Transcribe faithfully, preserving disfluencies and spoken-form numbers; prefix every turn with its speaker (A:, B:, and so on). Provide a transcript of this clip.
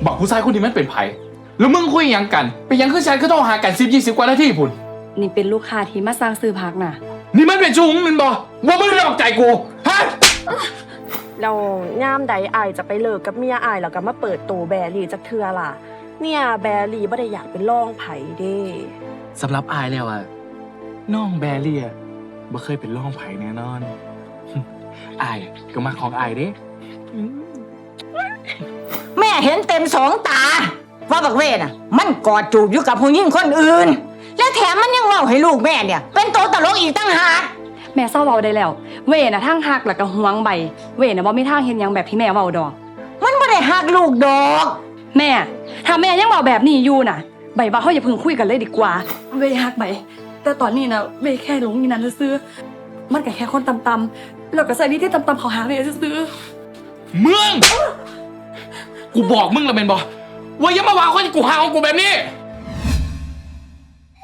A: บอกผู้ชายคนนี้มันเป็นไผแล้วมึงคุยยังกันไปยังคือฉันก็ต้องหากันสิบยี่สิบกว่านาทีพุ่น
B: นี่เป็นลูกค้าที่มาสั่งซื้อผักน่ะ
A: นี่มันเป็นชูงมันบอกว่ามึงหลอกใจกูฮะ
C: เราย่ามใดอายจะไปเลิกกับเมียอายแล้วก็มาเปิดตัวแบรี่จักเทื่อล่ะเนี่ยแบรี่บ่ได้อยากเป็นร่องไผเด้
A: สำหรับอายแล้วอะน้องแบรี่อะบ่เคยเป็นร่องไผ่แน่นอนอายก็มาของอายเด้
D: แม่เห็นเต็มสองตาว่าบักเวน่ะมันกอดจูบอยู่กับผู้หญิงคนอื่นและแถมมันยังเล่าให้ลูกแม่เนี่ยเป็นตัวตลกอีกตั้งหาก
B: แม่เศร้าเว้าได้แล้วเว่น่ะทางหักแล้วก็หวงใบเว่น่ะบ่มีทางเฮ็ดหยังแบบที่แม่เว้าดอก
D: มันบ่ได้หักลูกดอก
B: แม่ถ้าแม่ยังเว้าแบบนี้อยู่น่ะใบว่าเฮาอย่าเพิ่งคุยกันเลยดีกว่าเว่หักใบแต่ตอนนี้น่ะเว่แค่หลงอยู่นั่นซื่อๆมันก็แค่คนต่ำๆแล้วก็ใส่นี่ที่ต่ำๆเขาหาเว่ซื่อ
A: ๆมึงกูบอกมึงแล้วแม่นบ่ว่าอย่ามาว่าคนกูหาของกูแบบนี้